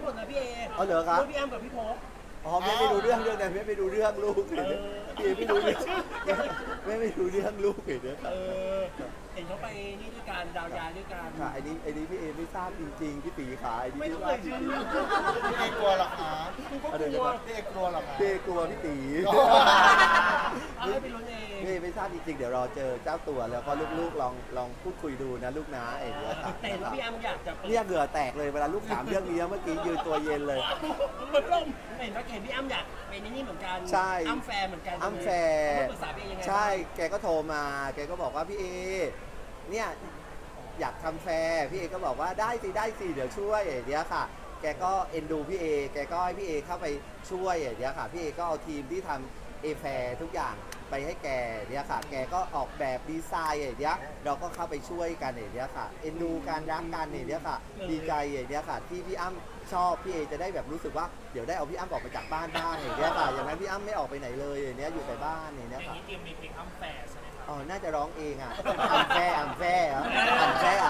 หมดนะพี่เอเอาเหรอครับลูกพี่อ้ำกับพี่โพกอ๋อแม่ไม่รู้เรื่องแต่แม่ไม่รู้เรื่องลูกเลยพี่ไม่รู้เรื่องแม่ไม่รู้เรื่องลูกเลยเนี่ยเห็นเขาไปนี่ด้วยกันดาวยาด้วยกันค่ะไอ้นี้พี่เอไม่ทราบจริงๆพี่ตีขาไอ้นี้ไม่ไม่ต้องทราบจเอ่ยชื่ริองพี่เอกลัวเหรอคะๆอะไรนะครับพี่เอกลัวเหรอคะพี่เอกลัวพี่ตีเอาให้ไปลุ้นเองพี่เอไม่ทราบจริงๆเดี๋ยวรอเจอเจ้าตัวแล้วก็ลูกๆลองพูดคุยดูนะลูกนะไอ้เนี่ยค่ะแต่เห็นว่าพี่อ้ำอยากจะปิดเนี่ยเหงื่อแตกเลยเวลาลูกถามเรื่องนี้เมื่อกี้ยืนตัวเย็นเลยเหมือนลมเห็นว่าเห็นพี่อ้ำอยากเป็นนี่เหมือนกันใช่อ้ำแฟร์เหมือนกันอ้ำแฟร์เขามาปรึกษาพี่เอยังไงใช่แกก็โทรมาแกก็บอกว่าพี่เอเนี่ยอยากทำแฟร์พี่เอก็บอกว่าได้สิเดี๋ยวช่วยเดี๋ยวค่ะ แกก็เอ็นดูพี่เอแกก็ให้พี่เอเข้าไปช่วยเดี๋ยวค่ะพี่เอก็เอาทีมที่ทำเอแฟร์ทุกอย่างไปให้แกเดี๋ยวค่ะ แกก็ออกแบบดีไซน์เดี๋ยวเราก็เข้าไปช่วยกันเดี๋ยวค่ะเอ็นดูการรักกันเดี๋ยวค่ะ ดีใจเดี๋ยวค่ะที่พี่อ้ำชอบพี่เอจะได้แบบรู้สึกว่าเดี๋ยวได้เอาพี่อ้ำออกไปจากบ้านบ้างเดี๋ยวค่ะอย่างนั้นพี่อ้ำไม่ออกไปไหนเลยเดี๋ยวอยู่แต่บ้านเดี๋ยวค่ะเตรียมมีเพลงอ้ำแฝดใช่ไหมครับอ๋อ น่าจะร้องเองอ่ะอ่ำแฟ่เหรออ่ำแฟ่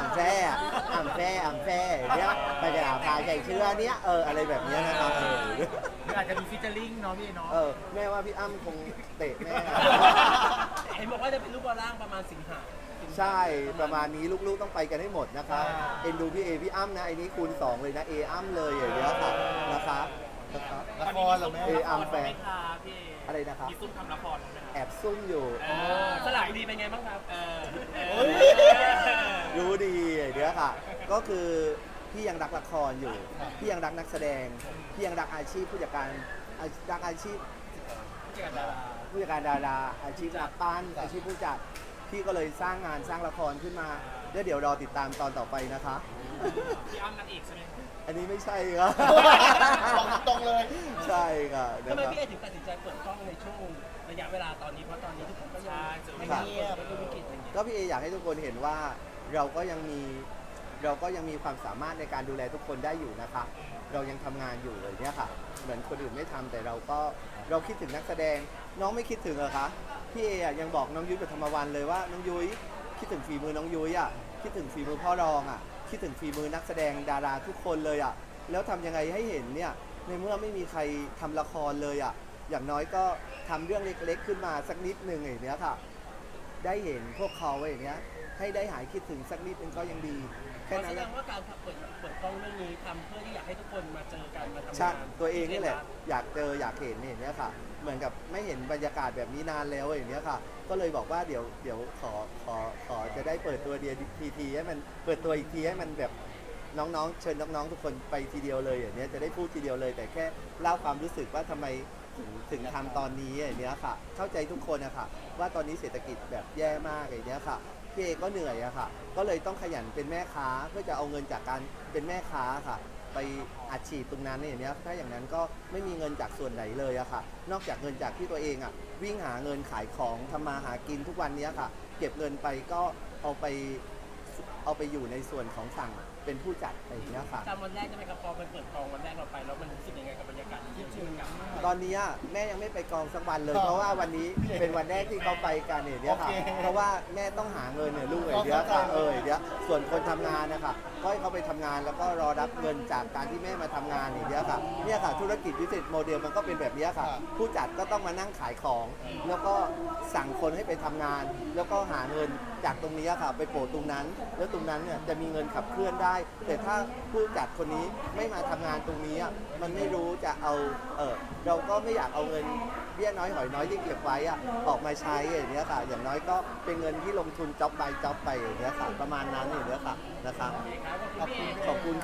เนี่ยไปจะพาใจเชื่อเนี้ยอะไรแบบเนี้ยนะครับหรืออาจจะมีฟิชเจอริ่งเนาะพี่เนาะแม่ว่าพี่อ้ำคงเตะแม่เห็นบอกว่าจะเป็นลูกบอลล่างประมาณสิงหาใช่ประมาณนี้ลูกๆต้องไปกันให้หมดนะคะเอ็นดูพี่เอพี่อ้ำนะไอ้นี้คูณ2เลยนะเออ้ำเลยอย่างเงี้ยค่ะนะคะละครเหรอแม่เออ้ำแฟนไม่ค่ะพี่อะไรนะครับมีซุ่มทำละครไหมครับแอบซุ่มอยู่สลับดีเป็นไงบ้างครับรู้ดีเดี๋ยวค่ะ ก็คือพี่ยังรักละครอยู่ พี่ยังรักนักแสดง พี่ยังรักอาชีพผู้จัดการรักอาชีพผู้จัดการดาราอาชีพนักปั้นอาชีพผู้จัดพี่ก็เลยสร้างงานสร้างละครขึ้นมาแล้วเดี๋ยวรอติดตามตอนต่อไปนะคะพี่อ้ำนางเอกใช่ไหมอันนี้ไม่ใช่ครับบอกตรงเลยใช่ค่ะนะทำไมครับพี่เอถึงตัดสินใจเปิดกล้องในช่วงระยะเวลาตอนนี้เพราะตอนนี้ทุกคนก็ยังไม่เงียบไม่มีวิกฤตอะไรอย่างเงี้ยก็พี่เออยากให้ทุกคนเห็นว่าเราก็ยังมีความสามารถในการดูแลทุกคนได้อยู่นะคะ เรายังทำงานอยู่เลยเนี่ยค่ะ เหมือนคนอื่นไม่ทำแต่เราคิดถึงนักแสดงน้องไม่คิดถึงเหรอคะพี่เอยังบอกน้องยุ้ยกับธรรมวันเลยว่าน้องยุ้ยคิดถึงฝีมือน้องยุ้ยอ่ะคิดถึงฝีมือพ่อรองอ่ะคิดถึงฝีมือนักแสดงดาราทุกคนเลยอ่ะแล้วทำยังไงให้เห็นเนี่ยในเมื่อไม่มีใครทำละครเลยอ่ะอย่างน้อยก็ทำเรื่องเล็กๆขึ้นมาสักนิดหนึ่งอย่างเนี้ยค่ะ ได้เห็นพวกเขาอย่างเงี้ยให้ได้หายคิดถึงสักนิดนึงก็ยังดีแค่แสนั้นดแหละงว่าการเปิดกล้องเรื่องนี้ทำเพื่อที่อยากให้ทุกคนมาเจอกันมาทำใช่งานตัวเองนี่แหละอยากเจออยากเห็นอย่างเนี้ยค่ะ เหมือนกับไม่เห็นบรรยากาศแบบนี้นานแล้วอย่างเนี้ยค่ะ ก็เลยบอกว่าเดี๋ยวขอจะได้เปิดตัวเดียวทีให้มันเปิดตัวอีกทีให้มันแบบน้องๆเชิญน้องๆทุกคนไปทีเดียวเลยอย่างเนี้ยจะได้พูดทีเดียวเลย แต่แค่เล่าความรู้สึกว่าทำไมถึงทำตอนนี้อย่างเนี้ยค่ะ เข้าใจทุกคนนะคะว่าตอนนี้เศรษฐกิจแบบแย่มากอย่างเนี้ยค่ะพี่เอก็เหนื่อยอะค่ะ ก็เลยต้องขยันเป็นแม่ค้าเพื่อจะเอาเงินจากการเป็นแม่ค้าค่ะ ไปอัดฉีดตรงนั้นอย่างเนี้ยถ้าอย่างนั้นก็ไม่มีเงินจากส่วนไหนเลยอะค่ะ นอกจากเงินจากที่ตัวเองอะวิ่งหาเงินขายของทำมาหากินทุกวันเนี้ยค่ะ เก็บเงินไปก็เอาไปอยู่ในส่วนของสั่งเป็นผู้จัดอะไรอย่างเงี้ยค่ะจำวันแรกใช่ไหมครับพอมันเปิดกองวันแรกเราไปแล้วมันรู้สึกยังไงกับบรรยากาศที่ชื่นกลับมาตอนนี้แม่ยังไม่ไปกองสักวันเลย เพราะว่าวันนี้เป็นวันแรกที่เขาไปกันเนี่ยค่ะ เพราะว่าแม่ต้องหาเงินเนี่ยลูกเดี๋ยวค่ะเดี๋ยวส่วนคนทำงานนะคะก็ให้เขาไปทำงานแล้วก็รอรับเงินจากการที่แม่มาทำงานอย่างเงี้ยค่ะเนี่ยค่ะธุรกิจวิสิตโมเดลมันก็เป็นแบบนี้ค่ะ ผู้จัดก็ต้องมานั่งขายของ แล้วก็สั่งคนให้ไปทำงาน แล้วก็หาเงินจากตรงนี้ค่ะ ไปโปะตรงนั้น แล้วตรงนั้นเนี่ยจะมีเงินขับเคลื่อนได้ แต่ถ้าผู้จัดคนนี้ไม่มาทำงานตรงนี้มันไม่รู้จะเอาเราก็ไม่อยากเอาเงินเบี้ยน้อยหอยน้อยที่เก็บไว้ออกมาใช้อย่างเงี้ยค่ะ อย่างน้อยก็เป็นเงินที่ลงทุนจ็อบไปอย่างเงี้ยค่ะประมาณนั้นอย่างเงี้ยค่ะนะคะขอบคุณพี่เอขอบคุณ